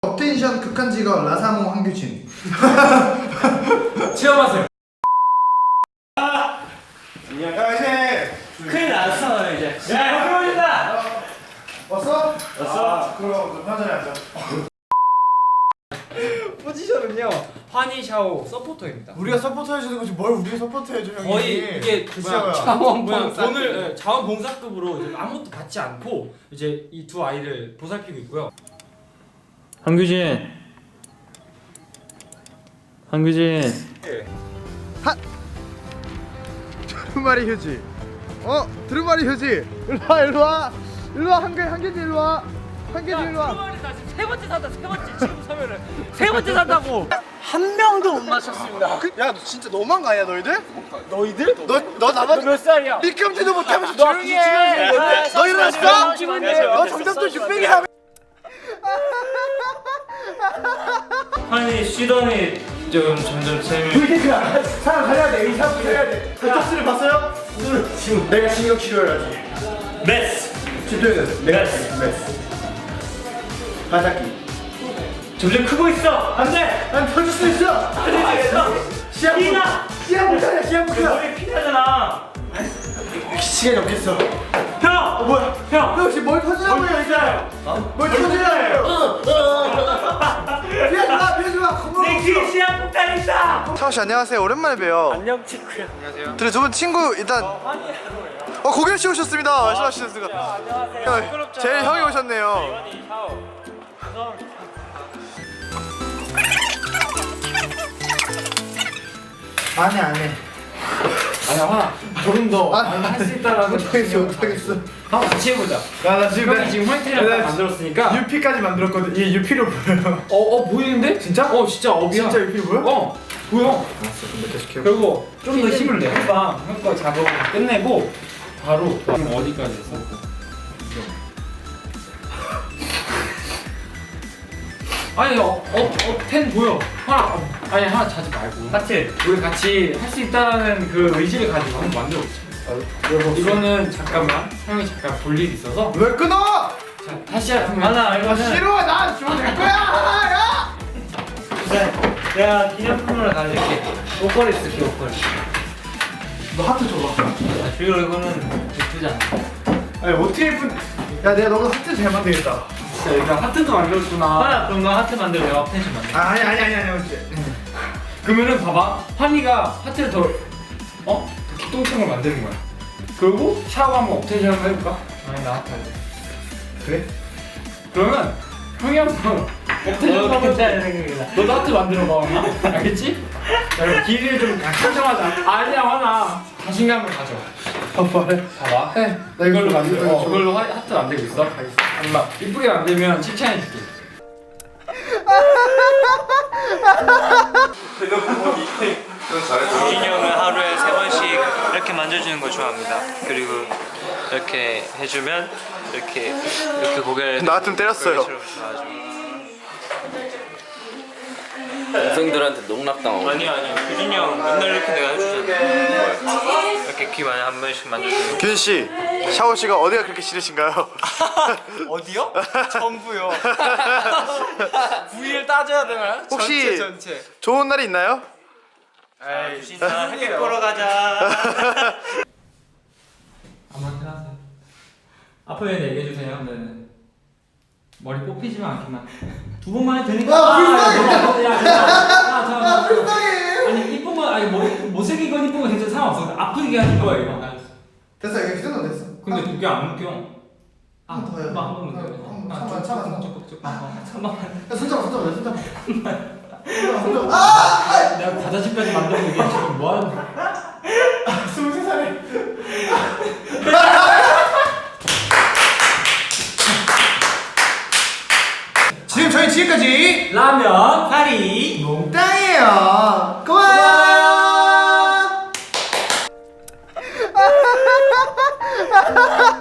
업텐션 극한직업 라사모 황규진. 체험하세요. 야 이제 큰일 났어 이제. 야 형이 오신다. 왔어? 왔어? 그럼 편전에 앉아. 포지션은요 환희 샤오 서포터입니다. 우리가 서포트 해주는 거지 뭘 우리가 서포트 해줘 형이. 거의 이게 그 뭐야 자원봉사. 돈을 자원봉사급으로 이제 아무것도 받지 않고 이제 이 두 아이를 보살피고 있고요. 황규진. 두루마리 휴지. 두루마리 휴지. 일로와 한규진 일로와. 한규진 일로와. 나 지금 세 번째 산다. 세 번째 지금 서면은 세 번째 산다고. 한 명도 못 맞췄습니다. 야 너 진짜 너무한 거 아니야 너희들? 너희들? 너 나만 몇 살이야? 미끄럼틀도 못하면서 조용히 해. 너 일어났어? 너 정답도 600이야. 환희 쉬더니 좀 점점 쌤이 VT가 사람 살려야 돼. 의사 살려야 돼. 턱수를 봤어요? 지금 내가 신경 치료해야지. 메스. 집중해야 돼. 내가 메스. 바닥기. 점점 크고 있어. 안돼. 난 터질 수 있어. 시합 피나. 시합 못하냐 시합 못하냐. 머리 피나잖아. 시간이 없겠어. 형. 뭐야? 형. 너 혹시 뭘 터지라고 해 있어요. 뭘 터지라고 피하지 마. 내 귀에 시한 폭탄 있다. 차오 씨 안녕하세요. 오랜만에 봬요. 안녕 친구야. 안녕하세요. 둘이 두 분 친구 일단 고개를 씌우셨습니다. 말씀하셨습니다. 안녕하세요. 제일 형이 오셨네요. 환희 샤오. 안 해. 아니야 환아 조금 더 할 수 있다라는 못하겠어. 한번 같이 해보자. 나 지금 형이 지금 화이트를 만들었으니까 UP까지 만들었거든. 얘 UP로 보여. 보이는데? 진짜? 진짜 업이야. 진짜 UP로 보여? 보여. 알았어. 그럼 계속 해요. 그리고 좀 더 힘을 내. 형거 작업 끝내고 바로 지금 어디까지 했어? 아니 텐 보여. 하나 자지 말고. 하트. 우리 같이 할 수 있다는 그 의지를 가지고 한번 만들어보자. 이거는 잠깐만 형이 잠깐 볼 일이 있어서. 왜 끊어? 자 다시 하면. 싫어. 나 주면 될 거야. 야. 내가 기념품으로 가질게. 옷걸이 쓸게 옷걸이. 너 하트 줘봐. 그리고 이거는 예쁘지 않아. 아니 어떻게 예쁜? 야 내가 너보다 하트 잘 만들겠다. 진짜 일단 하트도 만들었구나. 환아 그럼 너 하트 만들고 내가 텐션 만들게. 아니 어째. 그러면은 봐봐 환희가 하트를 더 기똥청을 만드는 거야. 그리고 샤워 한번 업텐션 한번 해볼까? 아니 나 하트 할래. 그래? 그러면 형이 한번 업텐션 한번 괜찮은 생각이다. 너도 하트 만들어봐 환아. 알겠지? 자 그럼 길이를 좀 설정하자. 아니야 환아 자신감을 가져. 말해. 봐봐 해. 나 이걸로 만들어. 이걸로 하트 만들고 있어? 엄마 이쁘게 만들면 칭찬해줄게. 규진이 형은 하루에 3번씩 이렇게 만져주는 거 좋아합니다. 그리고 이렇게 해주면 이렇게 고개를 나 좀 때렸어요. 여성들한테 농락당하고. 아니요 규진이 형 맨날 이렇게 내가 해주잖아. 이렇게 귀 많이 한 번씩 만져주고. 규진 씨, 샤오 씨가 어디가 그렇게 싫으신가요? 어디요? 전부요. 부위를 따져야 되나요? 혹시 전체. 좋은 날이 있나요? 규진아 햇빛 보러 가자. 아무한테 하세요. 아프면 얘기해주세요. 네. 머리 뽑히지만 않기만. 두 번만 해도 되니까. 불쌍해. 아니 이쁜 건 아니 못생긴 건 이쁜 건 괜찮아 상관없어. 아프게 하는 거예요. 됐어, 이거 그 정도 됐어. 근데 그게 안 웃겨. 한 번 더 해야 돼. 한 번만 더. 잠깐만. 잠깐만. 야, 손잡아. 내가 과자집까지 만들고 이게 지금 뭐 하는 거야? 23살에. 지금까지 라면 파리 몽땅이에요. 고마워요.